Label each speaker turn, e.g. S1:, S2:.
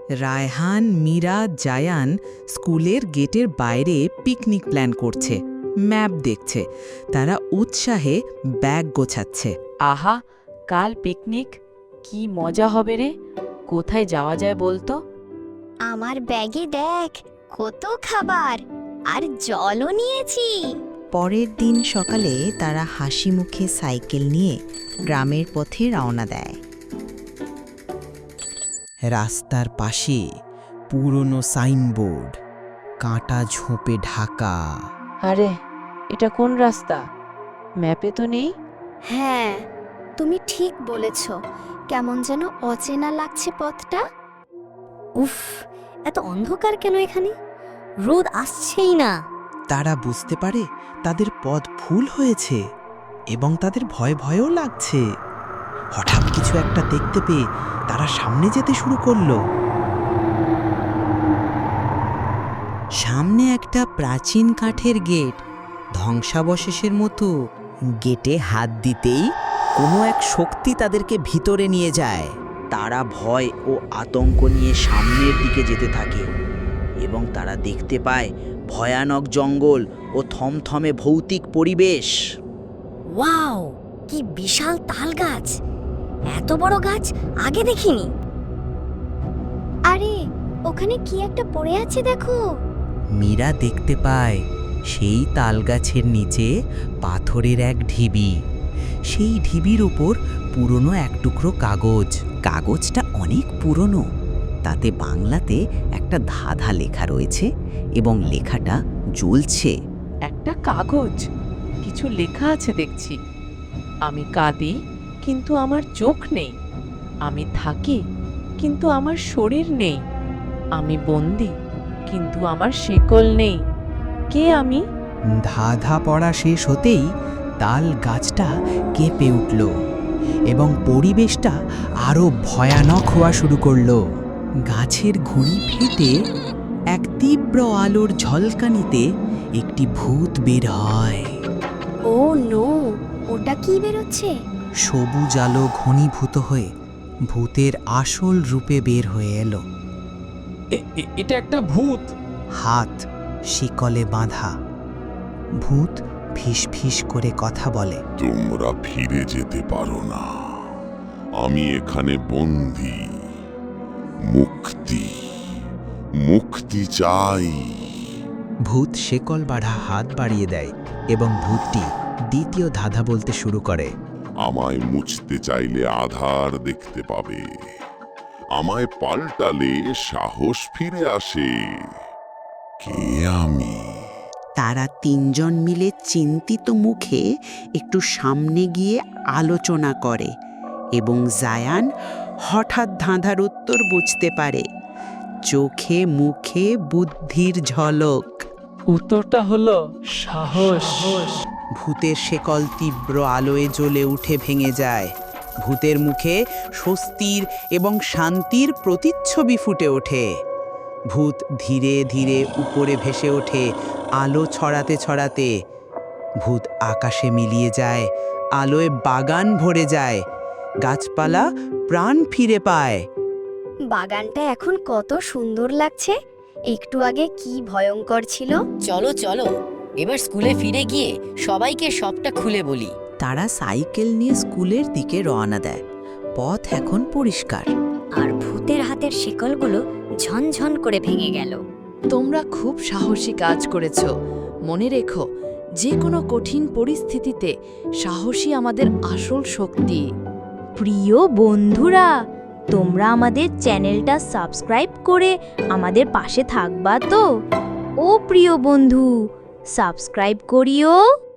S1: রায়হান, মীরা, জায়ান স্কুলের গেটের বাইরে পিকনিক প্ল্যান করছে, ম্যাপ দেখছে। তারা উৎসাহে ব্যাগ গোছাচ্ছে।
S2: আহা, কাল পিকনিক, কি মজা হবে রে। কোথায় যাওয়া যায় বলতো?
S3: আমার ব্যাগে দেখ কত খাবার, আর জলও নিয়েছি।
S4: পরের দিন সকালে তারা হাসি মুখে সাইকেল নিয়ে গ্রামের পথে রওনা দেয়।
S5: রাস্তার পাশে পুরনো সাইনবোর্ড, কাঁটা ঝোপে ঢাকা।
S2: আরে, এটা কোন রাস্তা? ম্যাপে তো নেই।
S3: হ্যাঁ, তুমি ঠিক বলেছ, কেমন যেন অচেনা লাগছে পথটা। উফ, এত অন্ধকার কেন এখানে? রোদ আসছেই না।
S5: তারা বুঝতে পারে তাদের পথ ভুল হয়েছে এবং তাদের ভয় ভয়ও লাগছে। হঠাৎ কিছু একটা দেখতে পেয়ে তারা সামনে যেতে শুরু করলো।
S1: সামনে একটা প্রাচীন কাঠের গেট, ধ্বংসাবশেষের মতো।
S6: গেটে হাত দিতেই কোনো এক শক্তি তাদেরকে ভিতরে নিয়ে যায়। তারা ভয় ও আতঙ্ক নিয়ে সামনের দিকে যেতে থাকে এবং তারা দেখতে পায় ভয়ানক জঙ্গল ও থমথমে ভৌতিক পরিবেশ।
S3: ওয়াও, কি বিশাল তাল গাছ! এত বড় গাছ আগে দেখিনি। আরে, ওখানে কি একটা পড়ে আছে দেখো।
S1: মীরা দেখতে পায় সেই তালগাছের নিচে পাথরের এক ঢিবি। সেই ঢিবির উপর পুরনো এক টুকরো কাগজ। কাগজটা অনেক পুরনো, তাতে বাংলাতে একটা ধাঁধা লেখা রয়েছে এবং লেখাটা জ্বলছে।
S2: একটা কাগজ, কিছু লেখা আছে দেখছি। আমি কাঁদি কিন্তু আমার চোখ নেই। আমি থাকি কিন্তু আমার শরীর নেই। আমি বন্দি কিন্তু আমার শিকল নেই। কে আমি?
S5: ধাঁধা পড়া শেষ হতেই তাল গাছটা কেঁপে উঠল এবং পরিবেশটা আরো ভয়ানক হওয়া শুরু করলো। গাছের গুঁড়ি ফেটে এক তীব্র আলোর ঝলকানিতে একটি ভূত বের হয়।
S3: ও নো, ওটা কি বেরোচ্ছে?
S5: সবুজ আলো ঘনীভূত হয়ে ভূতের আসল রূপে বের হয়ে এলো।
S7: এটা একটা ভূত।
S5: হাত শিকলে বাঁধা। ভূত ফিস ফিস করে কথা বলে।
S8: তোমরা ফিরে যেতে পারো না, আমি এখানে বন্দী। মুক্তি, মুক্তি চাই।
S5: ভূত শেকল বাঁধা হাত বাড়িয়ে দেয় এবং ভূতটি দ্বিতীয় ধাঁধা বলতে শুরু করে।
S8: আমায় মুছতে চাইলে আধার দেখতে পাবে, আমায় পাল্টালে সাহস ফিরে আসে। কে আমি?
S6: তারা তিনজন মিলে চিন্তিত মুখে একটু সামনে গিয়ে আলোচনা করে এবং জায়ান হঠাৎ ধাঁধার উত্তর বুঝতে পারে। চোখে মুখে বুদ্ধির ঝলক।
S7: উত্তরটা হলো সাহস।
S1: ভূতের শেকল তীব্র আলোয় জ্বলে উঠে ভেঙে যায়। ভূতের মুখে স্বস্তির এবং শান্তির প্রতিচ্ছবি ফুটে ওঠে। ভূত ধীরে ধীরে উপরে ভেসে ওঠে, আলো ছড়াতে ছড়াতে। ভূত আকাশে মিলিয়ে যায়, আলোয় বাগান ভরে যায়, গাছপালা প্রাণ ফিরে পায়।
S3: বাগানটা এখন কত সুন্দর লাগছে, একটু আগে কি ভয়ঙ্কর ছিল।
S9: চলো চলো, এবার স্কুলে ফিরে গিয়ে সবাইকে সবটা খুলে বলি।
S6: তারা সাইকেল নিয়ে স্কুলের দিকে রওনা দেয়। পথ এখন পরিষ্কার।
S3: আর ভূতের হাতের শিকলগুলো ঝনঝন করে ভেঙে গেল।
S10: তোমরা খুব সাহসী কাজ করেছ। মনে রেখো, যে কোনো কঠিন পরিস্থিতিতে সাহসী আমাদের আসল শক্তি।
S11: প্রিয় বন্ধুরা, তোমরা আমাদের চ্যানেলটা সাবস্ক্রাইব করে আমাদের পাশে থাকবা তো? ও প্রিয় বন্ধু, সাবস্ক্রাইব করিও।